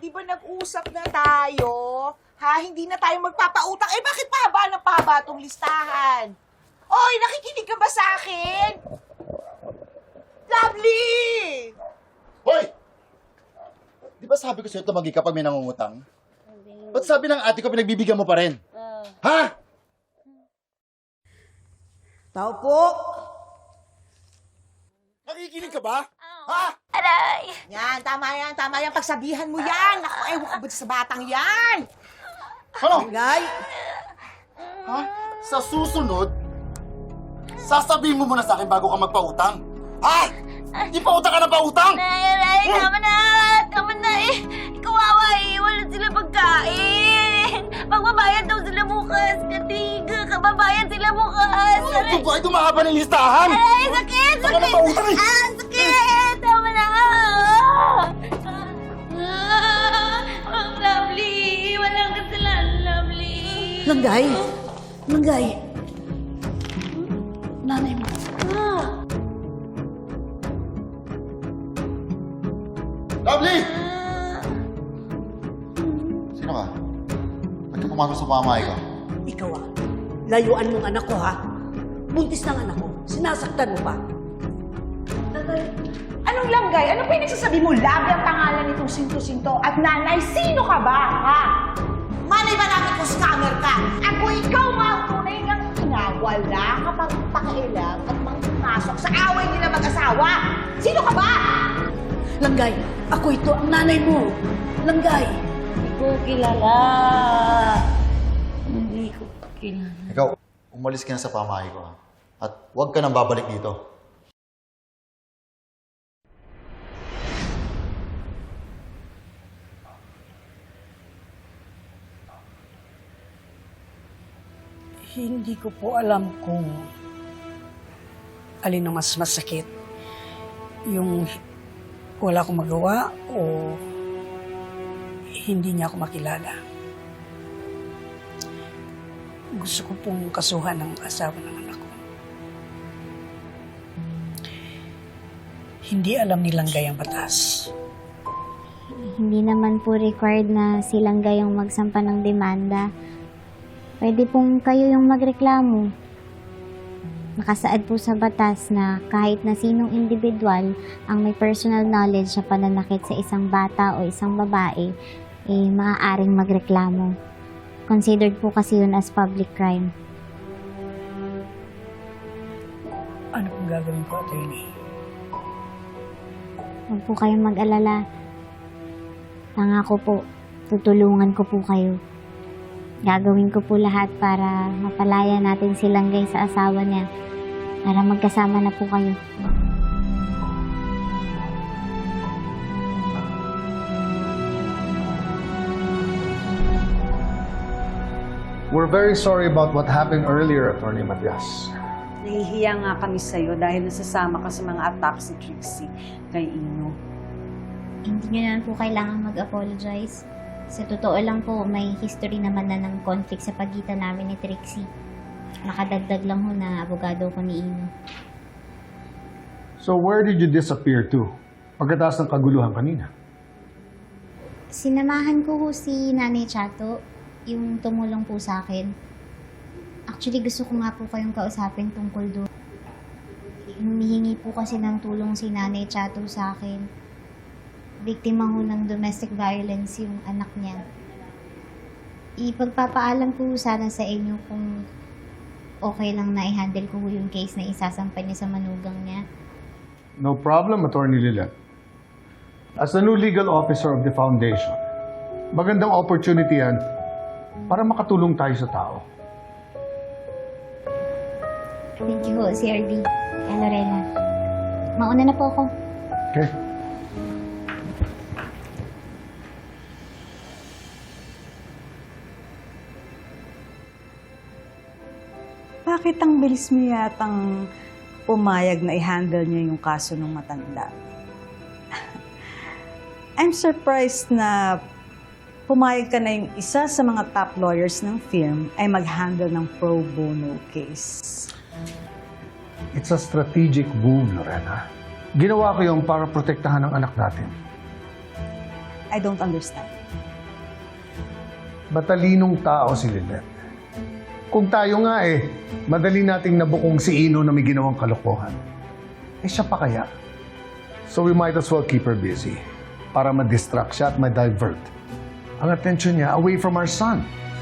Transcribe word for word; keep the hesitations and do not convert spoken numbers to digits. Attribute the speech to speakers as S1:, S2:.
S1: di ba nag-usap na tayo? Ha, hindi na tayo magpapautang. Eh, bakit pahaba ng pahaba itong listahan? Oy, nakikinig ka ba sa akin? Lovely!
S2: Hoy! Di ba sabi ko sa'yo tumagi kapag may nangungutang? Ba't sabi ng ate ko pinagbibigyan mo pa rin?
S3: Uh,
S2: Ha?
S1: Tao po!
S2: Nakikinig ka ba? Ha?
S3: aray!
S1: Yan, tama yan, tama yan. Pagsabihan mo yan. Ako, ewan ko ba sa batang yan?
S2: Ano?
S1: Guy?
S2: Ha? Sa susunod, sasabihin mo muna sa akin bago ka magpautang. Ha? Di pautang ka na pautang!
S3: Aray, aray! Tama na! Tama na eh! Kawawa eh! Wala sila pagkain! Magbabayad daw sila bukas! Katiga! Kababayad sila bukas! Aray!
S2: Ito ba ay dumahaba ng listahan?
S3: Aray! Sakit!
S2: Baka na
S3: Sakit!
S2: pautang eh!
S3: Ah! Sakit! Tama na! Ah! Ah! Ang lovely! Walang kasalanan, lovely!
S4: Langgay! Langgay! Nanay mo.
S3: Ah!
S2: Lovely!
S3: Ah!
S2: Sino ka? Ba't ka pumasok sa pamahay ko?
S4: Ikaw ah. Layuan mong anak ko ha. Buntis ng anak ko. Sinasaktan mo pa.
S1: Anong langgay? Ano pa yung nagsasabi mo? Labi ang pangalan nitong Sinto-Sinto. At nanay, sino ka ba, ha? Malay ba namin kung scammer ka? At kung ikaw nga ang tunay ng ina, wala ka pang pakialam at mangpasok sa away nila mag-asawa. Sino ka ba?
S4: Langgay, ako ito ang nanay mo. Langgay!
S3: Hindi ko kilala. Hindi ko kilala.
S2: Ikaw, umalis ka na sa pamahay ko, ha? At huwag ka nang babalik dito.
S4: Hindi ko po alam kung alin ang mas masakit. Yung wala akong magawa o hindi niya ako makilala. Gusto ko pong kasuhan ng asawa ng anak ko. Hindi alam ni Langgay ang batas.
S5: Hindi naman po required na silang gayong magsampa ng demanda. Pwede pong kayo yung magreklamo. Nakasaad po sa batas na kahit na sinong individual ang may personal knowledge sa pananakit sa isang bata o isang babae, eh maaaring magreklamo. Considered po kasi yun as public crime.
S4: Ano pong gagawin ko, attorney?
S5: Huwag po kayong mag-alala. Pangako po, tutulungan ko po kayo. Gagawin ko po lahat para mapalaya natin si Langgay sa asawa niya para magkasama na po kayo.
S6: We're very sorry about what happened earlier, Attorney Matias.
S7: Nahihiya nga kami sa'yo dahil nasasama ka sa mga attacks ni Trixie kay Ino.
S5: Hindi niyo naman po kailangan mag-apologize. Sa totoo lang po, may history naman na ng conflict sa pagitan namin ni Trixie. Nakadagdag lang ho na abogado ko ni Ino.
S6: So where did you disappear to? Pagkatapos ng kaguluhan kanina.
S5: Sinamahan ko ho si Nanay Chato, yung tumulong po sa akin. Actually, gusto ko nga po kayong kausapin tungkol doon. Humihingi po kasi ng tulong si Nanay Chato sa akin. Biktima ho ng domestic violence yung anak niya. Ipagpapaalam ko sana sa inyo kung okay lang na i-handle ko yung case na isasampa niya sa manugang niya.
S6: No problem, Attorney Lilet. As the new legal officer of the foundation, magandang opportunity yan para makatulong tayo sa tao.
S5: Thank you ho, C R D. Kay Lorena. Mauna na po ako.
S6: Okay?
S7: Bakit ang bilis mo yatang pumayag na i-handle niya yung kaso ng matanda? I'm surprised na pumayag ka na yung isa sa mga top lawyers ng firm ay mag-handle ng pro bono case.
S6: It's a strategic move, Lorena. Ginawa ko yung para protektahan ang anak natin.
S7: I don't understand.
S6: Matalinong tao si Lynette. Kung tayo nga eh, madali nating nabukong si Ino na may ginawang kalokohan. Eh siya pa kaya? So we might as well keep her busy para ma-distract siya at ma-divert ang attention niya away from our son.